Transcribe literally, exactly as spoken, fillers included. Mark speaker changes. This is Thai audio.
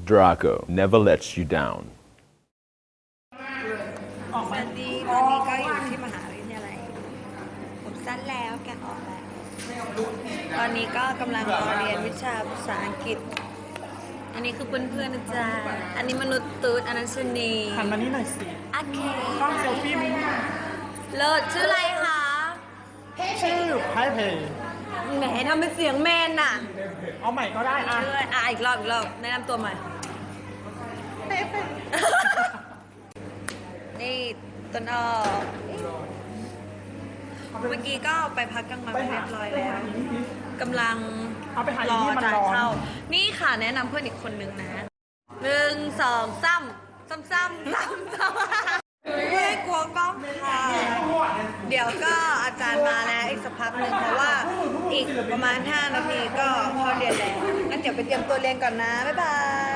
Speaker 1: Draco never lets you down
Speaker 2: สวัสดีตอนนี้ก็อยู่ที่มหาวิทยาลัยผมสั้นแล้วแกะออกแล้วตอนนี้ก็กำลังรอเรียนวิชาภาษาอังกฤษอันนี้คือเพื่อนๆนะจ๊ะอันนี้มนุษย์ตูดอันนั้นชนี
Speaker 3: หันมานี่หน่อยสิ
Speaker 2: โอเค
Speaker 3: กล้องเซลฟี่มั้ย
Speaker 2: เลิศชื่ออะไรคะ
Speaker 3: ชื่อไพเพย์
Speaker 2: แหมทำเป็นเสียงแมนน่ะ
Speaker 3: เอาใหม่ก็ได้อ่ะ
Speaker 2: ชื่ออะไรอ่ะอีกรอบอีกรอบแนะนำตัวใหม่ นี่ต้นอ้อเมื่อกี้ก็ไปพักกลางวันเรียบร้อยแล้วกำลัง
Speaker 3: เอาไปหาร
Speaker 2: อ
Speaker 3: ที่มัน
Speaker 2: จ่าย
Speaker 3: ร้อน
Speaker 2: เข้านี่ค่ะแนะนำเพื่อนอีกคนนึงนะหนึ่งสองซ้ำซ้ำซ้ำซ้ำซ้ำไม่ได้กลัวกล้องค่ะเดี๋ยวก็อาจารย์มาแล้วอีกสักพักหนึ่งเพราะว่าอีกประมาณห้านาทีก็เข้าเรียนแล้วงั้นเดี๋ยวไปเตรียมตัวเรียนก่อนนะบ๊ายบาย